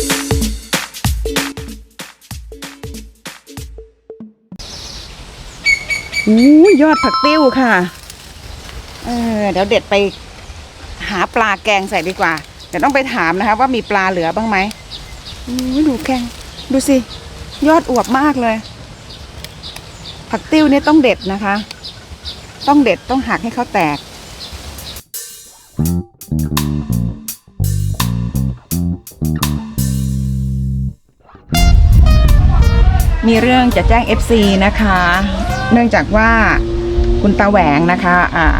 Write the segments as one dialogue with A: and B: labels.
A: ยอดผักติ้วค่ะเดี๋ยวเด็ดไปหาปลาแกงใส่ดีกว่าเดี๋ยวต้องไปถามนะคะว่ามีปลาเหลือบ้างไหมดูแกงดูสิยอดอวบมากเลยผักติ้วเนี่ยต้องเด็ดนะคะต้องเด็ดต้องหักให้เขาแตกมีเรื่องจะแจ้ง FC นะคะเนื่องจากว่าคุณตาแหวงนะคะ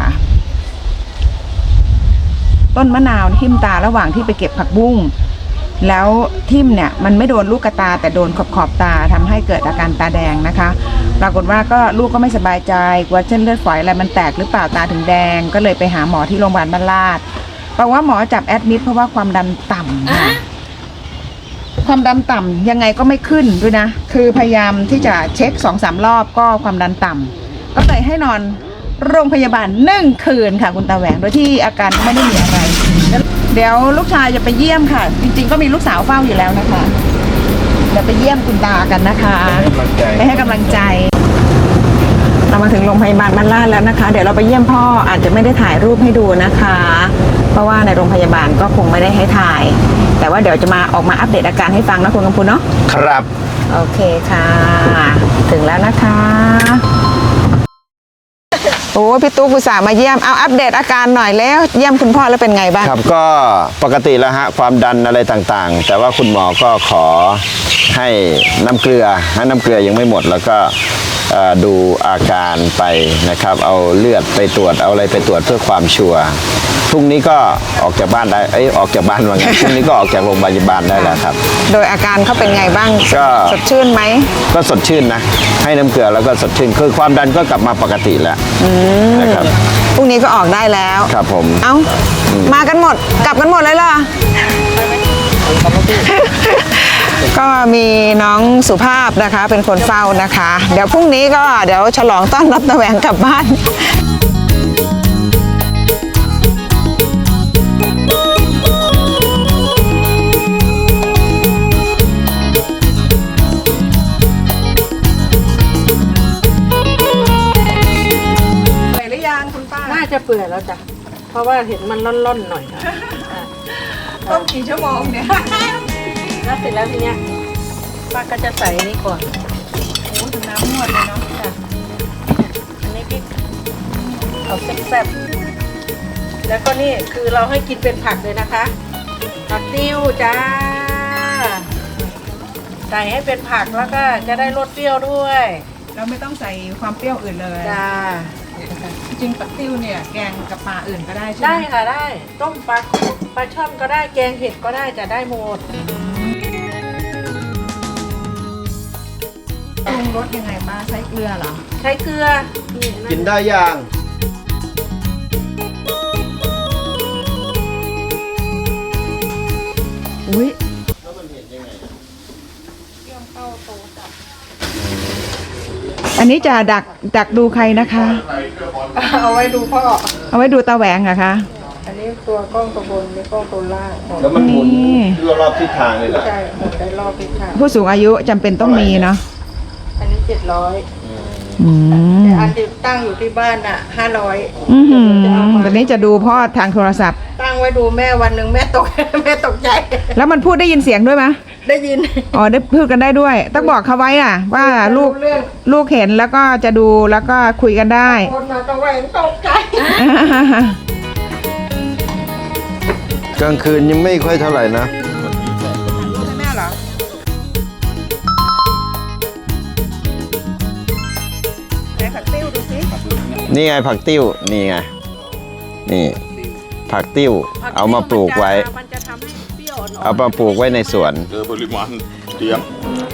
A: ต้นมะนาวทิ่มตาระหว่างที่ไปเก็บผักบุ้งแล้วทิ่มเนี่ยมันไม่โดนลูกตาแต่โดนขอบตาทำให้เกิดอาการตาแดงนะคะปรากฏว่าก็ลูกก็ไม่สบายใจกลัวเส้นเลือดฝอยอะไรมันแตกหรือเปล่าตาถึงแดงก็เลยไปหาหมอที่โรงพยาบาลบ้านลาดบอกว่าหมอจับแอดมิดเพราะว่าความดันต่ำค่ะความดันต่ำยังไงก็ไม่ขึ้นด้วยนะคือพยายามที่จะเช็ค 2-3 รอบก็ความดันต่ำก็เลยให้นอนโรงพยาบาล1 คืนค่ะคุณตาแหวงโดยที่อาการไม่ได้มีอะไรเดี๋ยวลูกชายจะไปเยี่ยมค่ะจริงๆก็มีลูกสาวเฝ้าอยู่แล้วนะคะเดี๋ยวไปเยี่ยมคุณตากันนะคะไปให้กำลังใจเรามาถึงโรงพยาบาลบ้านลาดแล้วนะคะเดี๋ยวเราไปเยี่ยมพ่ออาจจะไม่ได้ถ่ายรูปให้ดูนะคะเพราะว่าในโรงพยาบาลก็คงไม่ได้ให้ถ่ายแต่ว่าเดี๋ยวจะมาออกมาอัปเดตอาการให้ฟังนะคุณกำพูนเนาะ
B: ครับ
A: โอเคค่ะถึงแล้วนะคะโอ้พี่ตุ๊กอุตส่าห์มาเยี่ยมเอาอัปเดตอาการหน่อยแล้วเยี่ยมคุณพ่อแล้วเป็นไงบ้าง
B: ครับก็ปกติแล้วฮะความดันอะไรต่างๆแต่ว่าคุณหมอก็ขอให้น้ำเกลือยังไม่หมดแล้วก็ดูอาการไปนะครับเอาเลือดไปตรวจเอาอะไรไปตรวจเพื่อความชัวร์พรุ่งนี้ก็ออกจากบ้านได้ออกจากบ้านว่าไงพรุ่งนี้ก็ออกจากโรงพยาบาลได้แล้วครับ
A: โดยอาการเขาเป็นไงบ้าง
B: ก็
A: สดชื่นไหม
B: ก็สดชื่นนะให้น้ำเกลือแล้วก็สดชื่นคือความดันก็กลับมาปกติแล้วนะครับ
A: พรุ่งนี้ก็ออกได้แล้ว
B: ครับผม
A: เอ้ามากันหมดกลับกันหมดเลยเหรอก็มีน้องสุภาพนะคะเป็นคนเฝ้านะคะเดี๋ยวพรุ่งนี้ก็เดี๋ยวฉลองต้อนรับตาแหวงกลับบ้านเปื่อยหรือยังคุณป้า
C: น่าจะเปื่อยแล้วจ้ะเพราะว่าเห็นมันร่อนๆหน่อย
A: ต้มกี่ชั่วโมงเนี่ย
C: แล้วเสร็จแล้วทีเนี้ยป้าก็จะใส่นี่ก่อน
A: โอ้ถึงน้ำนวดเลยเนาะ
C: อันนี้พริกเอาแซ่บๆแล้วก็นี่คือเราให้กินเป็นผักเลยนะคะผักติ้วจ้าใส่ให้เป็นผักแล้วก็จะได้รสเปรี้ยวด้วย
A: เราไม่ต้องใส่ความเปรี้ยวอื่นเลย
C: จ้า
A: จริงๆผักติ้วเนี่ยแกงกับปลาอื่นก็ได้ใช่ไหม
C: ได้ค่ะได้ต้มปลาช่อนก็ได้แกงเห็ดก็ได้จะได้หมด
A: ปรุงรสยังไงบ้างใช้เกลือเหรอ
C: ใช้เกลือ
B: กินได้ยัง
A: อุ้ยอันนี้จะดักดูใครนะคะ
C: เอาไว้ดูพ่อ
A: เอาไว้ดูตาแหวงเหรอคะ
C: อันนี้ตัวกล้องตัวบนนี่กล้องตัวล่าง
B: แล้วมันหมุนรอบทิศทางเลยเหรอ
C: ใช่หมุนได้รอบทิศทาง
A: ผู้สูงอายุจำเป็นต้องมีเนาะ
C: อันนี้700แต่อันที่ตั้งอยู่ที่บ้านอ่ะ500
A: ตอนนี้จะดูพ่อทางโทรศัพท์
C: ตั้งไว้ดูแม่วันหนึ่งแม่ตกใจ
A: แล้วมันพูดได้ยินเสียงด้วยไหม
C: ได้ยิน
A: อ๋อได้พูดกันได้ด้วยต้องบอกเขาไว้อ่ะว่าลูกเห็นแล้วก็จะดูแล้วก็คุยกันได้
C: คนมาตะแหวงตกใจ
B: กลางคืนยังไม่ค่อยเท่าไหร่นะ
A: แม่เหรอผักติ้วดูสิ
B: นี่ไงผักติ้วนี่ไงนี่ผักติ้วเอามาปลูกไว้เอามาปลูกไว้ในสวน
D: ปริมาณเยอะ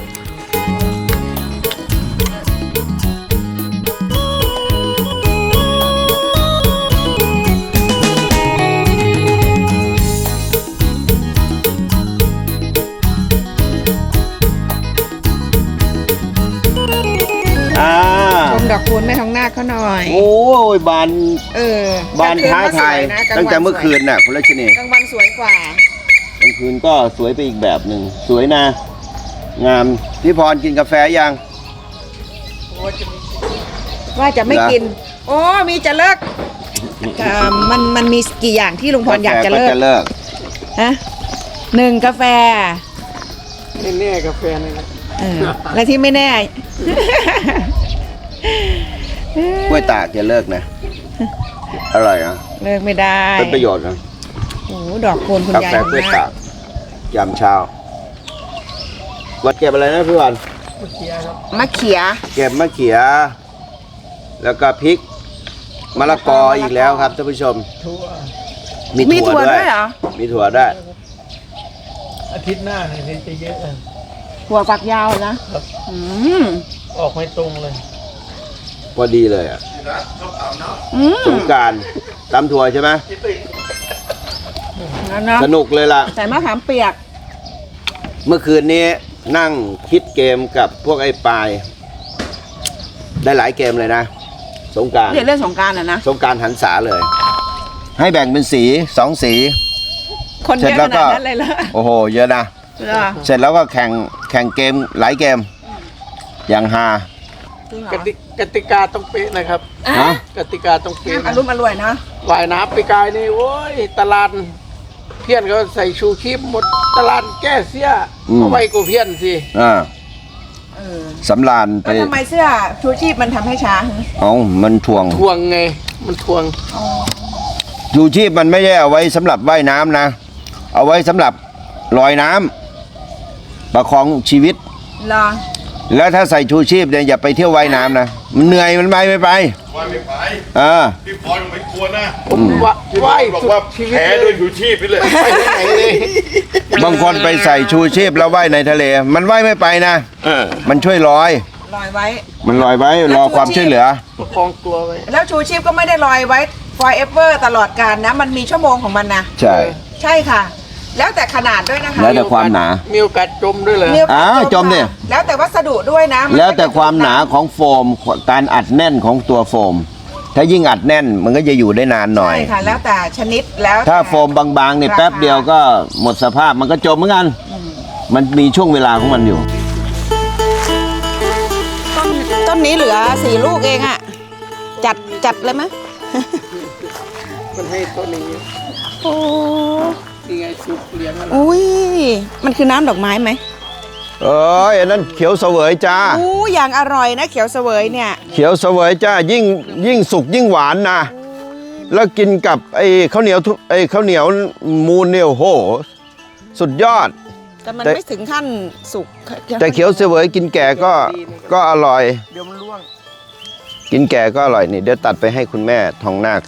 A: ดอกคูณแม่ทองนาคเขาหน่อย
B: โอ้ยบานบานท้าทายตั้งแต่เมื่อคืนน่ะคุณรัชนี
A: กลางวันสวยกว่าก
B: คืนก็สวยไปอีกแบบหนึ่งสวยนะงามพี่พรกินกาแฟยัง
A: ว่าจะไม่กิน โอ้มีจะเลิกมันมีกี่อย่างที่ลุงพรอยากจะเลิก
B: จะเลิก
A: ฮะ1 กาแฟ
C: แน่ๆกาแฟนี่นะ
A: และที่ไม่แน่
B: กล้วยตากจะเลิกนะอร่อยอ่ะ
A: เลิกไม่ได้
B: เป็นประโยชน์นะ
A: โอ้โหดอกโคนคุณ
B: กาย
A: าย
B: แฟกล้วยตากยามเช้าวัดเก็บอะไรนะพี่วัน
A: มะเขีย
B: เก็บมะเขือแล้วก็พริกมะละกออีกแล้วครับท่านผู้ชมมีถั่วด้วย
A: เหรอ
B: มีถั่วด้วย
E: อาทิตย์หน้าเนี่ยจะเยอะ
A: ถั่วฝักยาวนะอืม
E: ออกไม่ตรงเลย
B: พอดีเลยอ่ะ
A: อืม
B: สงกรานต์ตำถั่วใช่ไหม
A: นั่นเนาะ
B: สนุกเลยล่ะ
A: ใส่มะขามเปียก
B: เมื่อคืนนี้นั่งคิดเกมกับพวกไอ้ปลาย ได้หลายเกมเลยนะสงกรานต์
A: เรื่องสงกรารนะ
B: สงกรานต์หันษาเลย ให้แบ่งเป็นสี2 สี
A: คนเยอะขนาดนั้นเลยเหรอ
B: โอ้โหเยอะนะ
A: เหรอ
B: เสร็จแล้วก็แข่งเกมหลายเกม อย่างฮา
A: จริงเหร
E: กติกาต้องเป๊ะนะครับ
B: ฮะ
E: กติกาต้องเป๊ะ
A: อารมณ์อร่วยนะ
E: ว่ายน้ำไปกายนี่โอ้ยตลาดเพี้ยนก็ใส่ชูชีพหมดตลาดแก้เสียเอาไว้กูเพี้ยนสิ
B: อ่า
A: เออ
B: สำราญไป
A: แล้วทำไมเสื้อชูชีพมันทำให้ช้า
B: เอามันถ่วง
E: ทวงไงมันทวง
B: ชูชีพมันไม่ได้เอาไว้สำหรับว่ายน้ำนะ เอาไว้สำหรับลอยน้ำประคองชีวิต
A: เหรอ
B: แล้วถ้าใส่ชูชีพเนี่ยอย่าไปเที่ยวว่ายน้ำนะมันเหนื่อยมันไปไม่ไป
D: ว่าไม่ไป
B: เออ
D: พี่พรไม่กลัวนะ
E: ผมว่า
D: พี่
E: ไหว
D: พรบอกว่า
E: ชีวิต
D: แพ้ด้วยอยู่ชีพไปเลย
E: ไปไหนเลย
B: บางคนไปใส่ชูชีพแล้วว่ายในทะเล มันว่ายไม่ไปนะ มันช่วยลอย
A: ลอยไว้
B: มันลอยไว้รอความช่วยเหลือ
E: ประคองตัวไว้
A: แล้วชูชีพก็ไม่ได้ลอยไว้ forever ตลอดกาลนะ มันมีชั่วโมงของมันนะ
B: ใช่
A: ใช่ค่ะ แล้วแต่ขนาดด้วยนะคะ
B: แล้วแต่ความหนา
E: มีโอกาสจมด้วยเลย
A: มีโอกาส
B: อ้าวจมดิ
A: ค่ะแล้วแต่วัสดุด้วยนะน
B: แล้วแต่ความหนาของโฟมการอัดแน่นของตัวโฟม ถ้ายิ่งอัดแน่นมันก็จะอยู่ได้นานหน่อย
A: ใช่ค่ะ แล้วแต่ชนิดแล้ว
B: ถ้า
A: แต่
B: โฟมบางๆเนี่ย
A: ราคา
B: แป๊บเดียวก็หมดสภาพมันก็จมเหมือนกัน มันมีช่วงเวลาของมันอยู่
A: ต้นนี้เหลือ4 ลูกเองอะจัดเลยไหม
E: มันให้ต้นนี้
A: โอ้
E: นี่ไงสุกเลี้ยงอะไร
A: อุ้ยมันคือน้ำดอกไม้ไหม
B: เอ้ยอันนั้นเขียวเสวยจ้า
A: อู้อย่างอร่อยนะเขียวเสวยเนี่ย
B: เขียวเสวยจ้ายิ่งสุกยิ่งหวานนะแล้วกินกับไอ้ข้าวเหนียวไอ้ข้าวเหนียวมูนเนี่ยโอ้โหสุดยอด
A: แต่มัน
B: แต่
A: ไม่ถึงขั้นสุก
B: แต่เขียวเสวยกินแก่ก็อร่อย
E: เดี๋ยวมันร่วง
B: กินแก่ก็อร่อยนี่เดี๋ยวตัดไปให้คุณแม่ทองนาค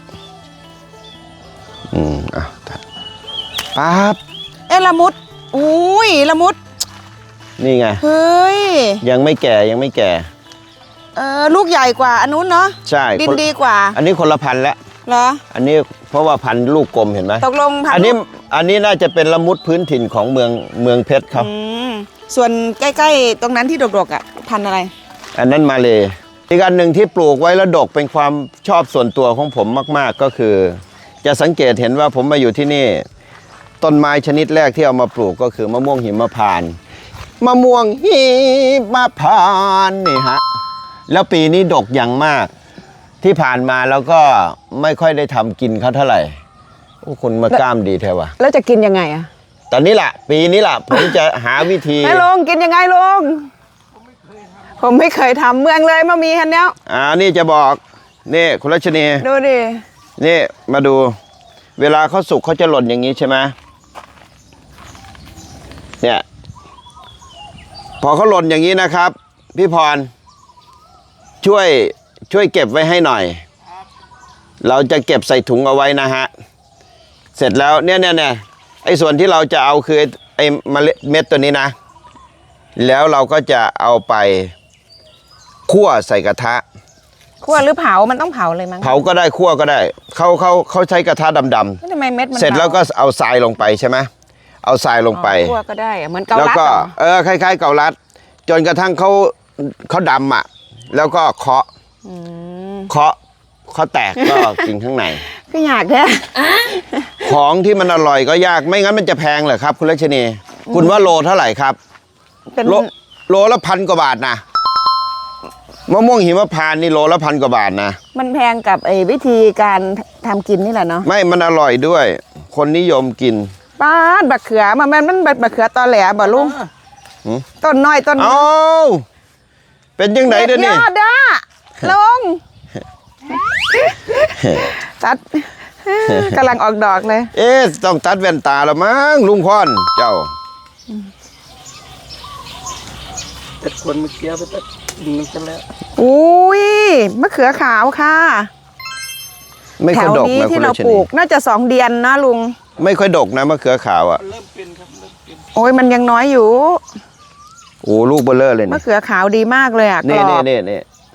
B: อ่ะตัดปั๊บ
A: เอ๊ะละมุดอุ้ยละมุด
B: นี่ไง
A: เฮ้ย
B: ยังไม่แก่ยังไม่แก่
A: ลูกใหญ่กว่าอันนู้นเนาะ
B: ใช่
A: ดิน
B: คน
A: ดีกว่า
B: อันนี้คนละพันธุ์แล้ว
A: เหรอ
B: อันนี้เพราะว่าพันธุ์ลูกกลมเห็นไหม
A: ตกลงพั
B: อันนี้น่าจะเป็นละมุดพื้นถิ่นของเมืองเพชรครับ
A: อืมส่วนใกล้ๆตรงนั้นที่ดกๆอ่ะพันธุ์อะไร
B: อันนั้นมาเลยอีกอันหนึ่งที่ปลูกไว้แล้วดกเป็นความชอบส่วนตัวของผมมากๆก็คือ จะสังเกตเห็นว่าผมมาอยู่ที่นี่ ต้นไม้ชนิดแรกที่เอามาปลูกก็คือมะม่วงหิมพานต์มะม่วงหิมพานต์นี่ฮะแล้วปีนี้ดกอย่างมาก ที่ผ่านมาแล้วก็ไม่ค่อยได้ทำกินเขาเท่าไหร่โอ้คุณมากล้ามดีแท้วะ
A: แล้วจะกินยังไงอ่ะ
B: ตอนนี้ล่ะ ปีนี้ล่ะ ผมจะหาวิธี
A: ไม่ลงกินยังไงลุงผมไม่เคยทำเมืองเลยมามีคันเนี้ย
B: นี่จะบอกนี่คุณรัชนี
A: ดูดิ
B: นี่มาดู เวลาเขาสุกเขาจะหล่นอย่างนี้ใช่ไหมเนี่ยพอเขาหล่นอย่างนี้นะครับ พี่พรช่วยเก็บไว้ให้หน่อย เราจะเก็บใส่ถุงเอาไว้นะฮะเสร็จแล้วเนี่ยไอ้ส่วนที่เราจะเอาคือไอ้เม็ดตัวนี้นะ แล้วเราก็จะเอาไปคั่วใส่กระทะ
A: คั่วหรือเผามันต้องเผาเลยมั้ง
B: เผาก็ได้คั่วก็ได้เขาใช้กระทะดำ
A: ทำไมเม็ดมัน
B: ๆเสร็จแล้วก็เอาทรายลงไปใช่ไหมเอาทรายลงไป
A: คั่วก็ได้อะเหมือนเกา
B: แล้ว
A: ลัด
B: ก็
A: เหรอ
B: คล้ายๆเกาลัด จนกระทั่งเขาดำอ่ะแล้วก็เคาะแตกก็กินข้างใน
A: ก็อยากแท้
B: ของที่มันอร่อยก็ยากไม่งั้นมันจะแพงเหรอครับ คุณรัชนีคุณว่าโลเท่าไหร่ครับ
A: เป็น
B: โลละ1,000 กว่าบาทนะมะม่วงหิมพานต์นี่โลละ1,000 กว่าบาทนะ
A: มันแพงกับวิธีการทำกินนี่แหละเนาะ
B: ไม่มันอร่อยด้วย คนนิยมกิน
A: ป้าดบักเขือมันบักเขือตอแหลบ่ลุง
B: หือ
A: ต้นน้อยต้น
B: เอ้าเป็นยังไงเด้อนี่
A: ยอดด้าลงตัดกำลังออกดอกเลย
B: เอ๊ะต้องตัดแว่นตาแล้วมั้งลุงพรเจ้า
E: แต่คนเมื่อกี้ไปตัดดินกันแล้ว
A: อุ้ยมะเขือขาวค่ะ
B: ไม่
A: แถ
B: ค่อยว ดก
A: นี้
B: นะคุ
A: ที่
B: ณ
A: เรา
B: รัช
A: ปลู
B: นี
A: กน่าจะ2 เดือนนะลุง
B: ไม่ค่อยดกนะมะเขือขาวอ่ะ
E: เริ่มเป็นครับเริ่มเป็น
A: โอ้ยมันยังน้อยอยู่
B: โอ้ลูกเบลเลอร์เลย
A: มะ
B: นี่
A: เขือขาวดีมากเลยอ่ะก
B: นี่
A: รอบ
B: นี่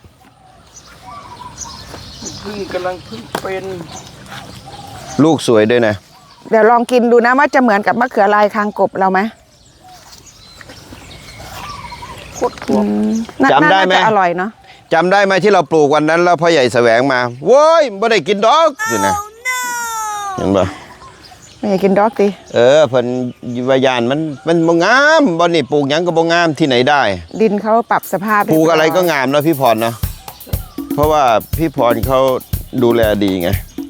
E: กำลังเพิ่งเป็น
B: ลูกสวยด้วยนะ
A: เดี๋ยวลองกินดูนะว่าจะเหมือนกับมะเขือลายคางกบเราไหม
E: โคตรถั่ว
B: จำได้ไหม
A: น่าจะอร่อยเนาะ
B: จำได้ไหมที่เราปลูกวันนั้นแล้วพ่อใหญ่แสวงมาโว้ยไม่ได้กินดอกสินะเห็นปะ
A: ไม่อยากกินดอกดิ
B: เพิ่นวายานมันบ่งามบ่นี่ปลูกหยังก็บ่งามที่ไหนได้
A: ดินเขาปรับสภาพ
B: ปลูกอะไรก็งามเนาะพี่พรเนาะเพราะว่าพี่พรเขาดูแลดีไง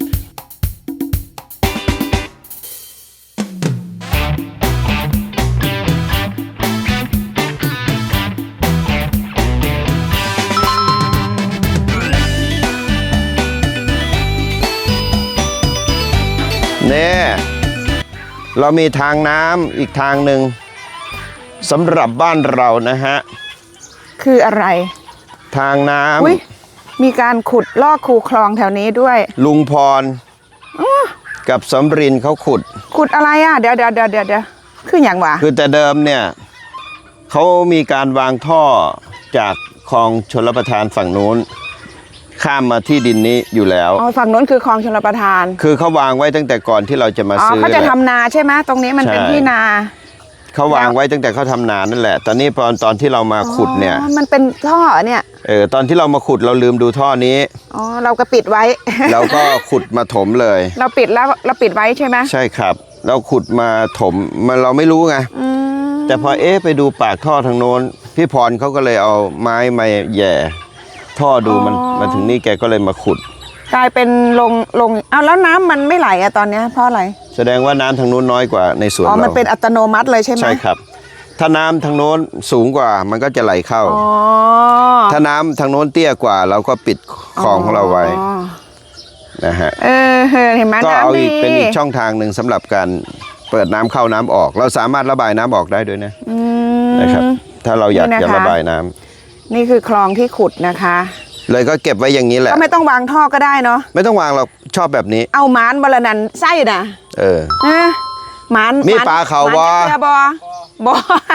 B: เนี่ยเรามีทางน้ำอีกทางหนึ่งสำหรับบ้านเรานะฮะ
A: คืออะไร
B: ทางน้
A: อุ้ยมีการขุดลอกคูคลองแถวนี้ด้วย
B: ำลุงพรกับสำรินเขาขุด
A: ขุดอะไรอ่ะเดี๋ยวคืออย่างวะ
B: คือแต่เดิมเนี่ยเขามีการวางท่อจากคลองชลประทานฝั่งนู้น ข้ามมาที่ดินนี้อยู่แล้ว
A: อ๋อฝั่งนู้นคือคลองชลประทาน
B: คือเขาวางไว้ตั้งแต่ก่อนที่เราจะมา
A: อ๋อ
B: ซื้อ
A: เขาจะ
B: แหละ
A: ทำนาใช่ไหมตรงนี้มันเป็น
B: ใช่
A: ที่นา
B: เขาวางไว้ตั้งแต่เขาทำนานั่นแหละ ตอนนี้ตอนที่เรามาขุดเนี่ย
A: อ๋อมันเป็นท่อเนี่ย
B: ตอนที่เรามาขุดเราลืมดูท่อนี้
A: อ๋อเราก็ปิดไว้
B: เราก็ขุดมาถมเลย
A: เราปิดแล้วเราปิดไว้ใช่ไหม
B: ใช่ครับ เราขุดมาถมมันเราไม่รู้ไง
A: อืม
B: แต่พอไปดูปากท่อทางโน้นพี่พรเขาก็เลยเอาไม้มาแหย่ท่อดูมันมาถึงนี่แกก็เลยมาขุด
A: กลายเป็นลงเอาแล้วน้ำมันไม่ไหลอะตอนเนี้ยเพราะอะไร
B: แสดงว่าน้ำทางโน้นน้อยกว่าในสวน
A: อ๋อ
B: เรา
A: มันเป็นอัตโนมัติเลยใช่ไหม
B: ใช่ครับ ถ้าน้ำทางโน้นสูงกว่ามันก็จะไหลเข้า
A: อ๋อ
B: ถ้าน้ำทางโน้นเตี้ยกว่า เราก็ปิดคลองของเราไว้
A: อ๋อ
B: นะฮะ
A: เห็นไหม
B: ก็เอา
A: น้ำดี
B: อีกเป็นอีกช่องทางหนึ่งสำหรับการเปิดน้ำเข้าน้ำออก เราสามารถระบายน้ำออกได้ด้วยนะ
A: อืม
B: นะครับ ถ้าเราอยาก
A: นี่นะคะ
B: จะระบายน้ำ
A: นี่คือคลองที่ขุดนะคะ
B: เลยก็เก็บไว้อย่างนี้แหละ
A: ก็ไม่ต้องวางท่อก็ได้เนาะ
B: ไม่ต้องวางเราชอบแบบนี้
A: เอาหมานบรนันไส้นะ
B: เออ
A: หมาน
B: มีปลาเขาบ่
A: หมนจักเทือบบ่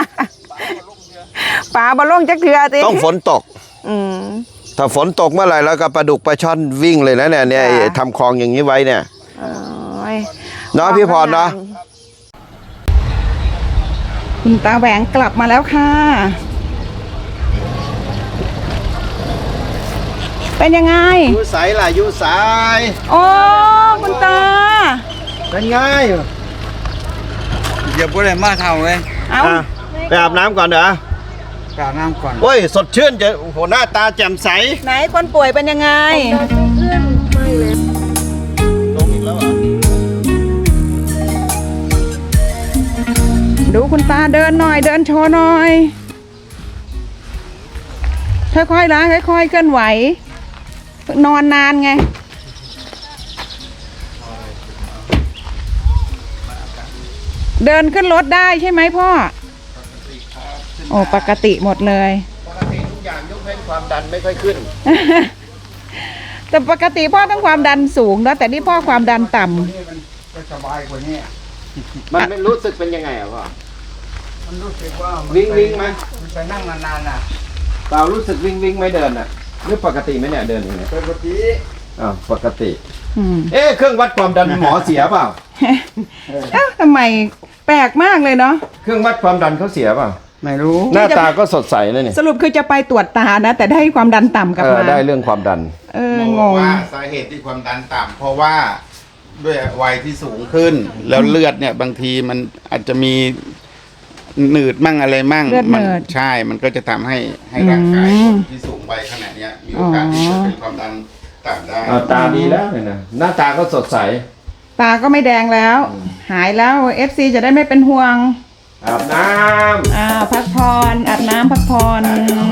A: ปลาบอลงจักเถือติ
B: ต้องฝนตก
A: อืม
B: ถ้าฝนตกเมื่อไหร่แล้วก็ปลาดุกปลาช่อนวิ่งเลยนะเนี่ย
A: ค่ะ
B: ทำคลองอย่างนี้ไว้เนี่ย
A: โอ้ย
B: เนาะพี่พรเนาะ
A: คุณตาแหวงกลับมาแล้วค่ะ เป็นยังไง
B: ยูสายล่ะยูสาย
A: โอ้คุณตา
B: เป็นไง
F: อย่าพูดอะไรมากเท่าเลย
A: เอา
B: อ่ะไปอาบน้ำก่อนเด้อก
F: ราบน้ำก่อน
B: โอ้ยสดชื่นจะโอ้โหหน้าตาแจ่มใส
A: ไหนคนป่วยเป็นยังไง
B: ลงอีกแล้วเหรอ
A: ดูคุณตาเดินหน่อยเดินโชว์หน่อย ค่อยๆล้างค่อยๆเคลื่อนไหว นอนนานไง เดินขึ้นรถได้ใช่ไหมพ่อ โอ้ปกติหมดเลย
B: ปกติทุกอย่างยกเว้นความดันไม่ค่อยขึ้น
A: แต่ปกติพ่อต้องความดันสูงนะแต่นี่พ่อความดันต่ำ
F: นี่มันจะสบายกว่านี้
B: มันไม่รู้สึกเป็นยังไงอ่ะพ่อ
F: มันรู้สึกว่ามัน
B: วิ่งไหม
F: มันไปนั่งนานๆน่ะ
B: เปล่ารู้สึกวิ่งไหม่เดินอ่ะหรือปกติไหมเนี่ยเดินอย่างเงี้ย
F: ปกติ
B: อ้าวปกติ
A: อืม
B: เครื่องวัดความดันหมอเสียเปล่า
A: เอ้าทำไมแปลกมากเลยเนาะ
B: เครื่องวัดความดันเขาเสียเปล่า
F: ไม่รู้
B: หน้าตาก็สดใสนะนี่
A: สรุปคือจะไปตรวจตานะ แต่ได้ความดันต่ำกลับมา
B: ได้เรื่องความดัน
A: งง
D: ว่าสาเหตุที่ความดันต่ำเพราะว่า
G: ด้วยวัยที่สูงขึ้น แล้วเลือดเนี่ยบางทีมันอาจจะมีหนืดมั่งอะไรมั่ง
A: เลือดหนืด
G: ใช่มันก็จะทำให้ร่างกายคนที่สูงวัยขนาดเนี้ยมีโอกาสที่จะเป็นความดันต่ำได้
B: เอาตาดีแล้วเนี่ยนะหน้าตาก็สดใส
A: ตาก็ไม่แดงแล้ว หายแล้ว FC จะได้ไม่เป็นห่วง
B: อาบน้
A: พักผ่อนอาบน้ำพักผ่อน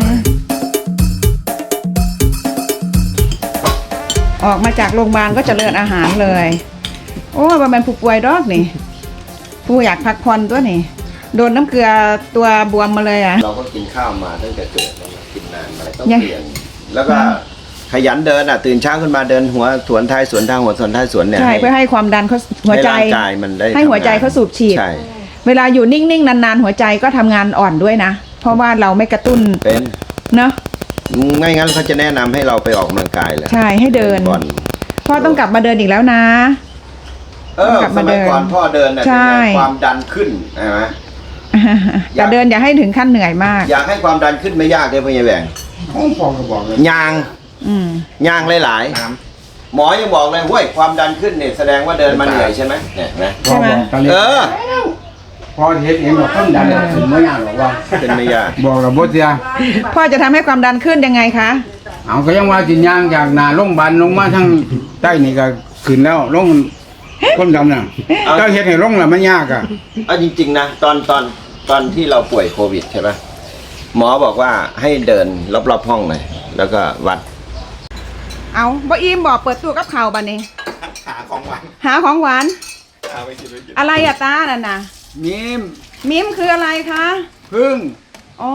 A: ออกมาจากโรงพยาบาลก็เจริญอาหารเลย โอ้ว่ามันผู้ป่วยดอกนี่ผู้อยากพักผ่อนตัวนี่โดนน้ำเกลือตัวบวมมาเลยอ่ะ
B: ำเราก็กินข้าวมาตั้งแต่เกิดแล้วนะกินนานมาต้อง
A: ยัง
B: เปลี่ยนแล้วก็ขยันเดินอ่ะตื่นเช้าขึ้นมาเดินหัวสวนท้ายสวนทางหัวสวนท้ายสวนเนี่ย
A: ใช่เพื่อให้ความดันเขาหัวใจ
B: ให้ร่างกายมันได้
A: ให้หัวใจเขาสูบฉีด
B: ใช่
A: เวลาอยู่นิ่งๆนานๆหัวใจก็ทำงานอ่อนด้วยนะ เพราะว่าเราไม่กระตุ้น
B: เป็น
A: เนาะ
B: ไม่งั้นเขาจะแนะนำให้เราไปออกกำลังกายเลย
A: ใช่ให้เดิน
B: ก่อน
A: พ่อต้องกลับมาเดินอีกแล้วนะ กลับ
B: ส
A: มา
B: มัยก่อน
A: เดิน
B: พ่อเดินน่ะ
A: ใช่
B: เป็นไงความดันขึ้นใช่ไหม
A: แต่เดินอย่าให้ถึงขั้นเหนื่อยมาก
B: อยากให้ความดันขึ้นไม่ยากเลยพ่อใหญ่แหวง
F: ผมพอก็บอกเลย
B: ยาง
A: อืม
B: ยางหลายๆหมอยังบอกเลยเว้ยความดันขึ้นเนี่ยแสดงว่าเดินมาเหนื่อยใช่ไหมเนี่ยเห็นไหม
A: ใช่ไหม
F: ตอนนี้
B: เออ
F: พอเห็นเองบอกต้นดันถึงไม่ยากหรอกว่า
B: ขึ้นไม่ยาก
F: บอกระบบเสีย
A: พ่อจะทำให้ความดันขึ้นยังไงคะ
F: เอาก็ยังว่ากินยางจากหนาลงพยาบาลลงมาทั้งใต้นี่ก็ขึ้นแล้วลงก้นดำน่ะเจ้าเห็นให้ลงแล้วมันยากอ่ะ
B: เอาจริงๆนะตอนที่เราป่วยโควิดใช่ไหมหมอบอกว่าให้เดินรอบๆห้องหน่อยแล้วก็วัด
A: เอาบ่อิมบอกเปิดตู้กับข่าวบันนี้
B: หาของหวาน
A: หาของหวาน
B: เอาไปกินไปกิน
A: อะไรอะตานั่นน่ะ
F: มิม
A: มิมคืออะไรคะ
F: พึ่ง
A: อ๋อ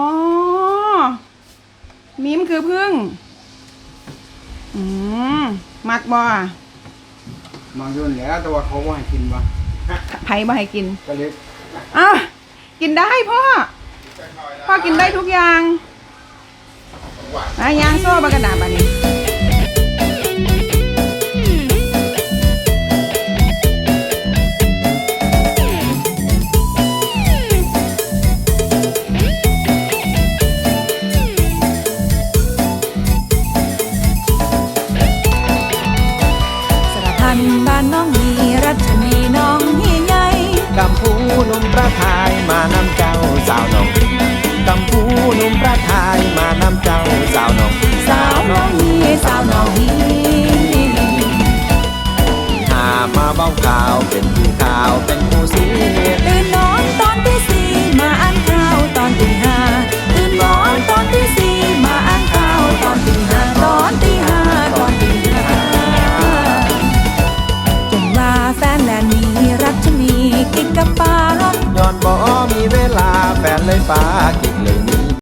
A: มิมคือพึ่ง อืมมักบ่
F: มาโยนแล้วแต่ว่าเขาว่าให้กินปะ
A: ไผบ่ให้กิน
F: ก็เลย
A: อ้าวกินได้พ่อ พ่อกินได้ทุกอย่างยางโซ่บากระดาษบันนี้
H: สารพันบ้านน้องมีรัชนีน้องเฮียใหญ่
B: กำพูหนุ่มประทายมานำเจ้าสาวน้องกำพูหนุ่มประทายมานำเจ้าสาวน้อง
H: สาวน้องฮีสาวน้องฮี
B: หามาเบ้าข่าวเป็นผู้ข่าวเป็นผู้เสีย
H: ตื่นนอนตอนที่สี่มาอ่านข่าวตอนตีห้าตื่นนอนตอนที่สี่มาอ่านข่าวตอนตีห้าตอนตีห้าตอนตีห้าจนว่าแฟนแลนมีรัชนีกิ๊กกับป้า
B: ย้อนบ่มีเวลาแฟนเลยฟ้ากินเลย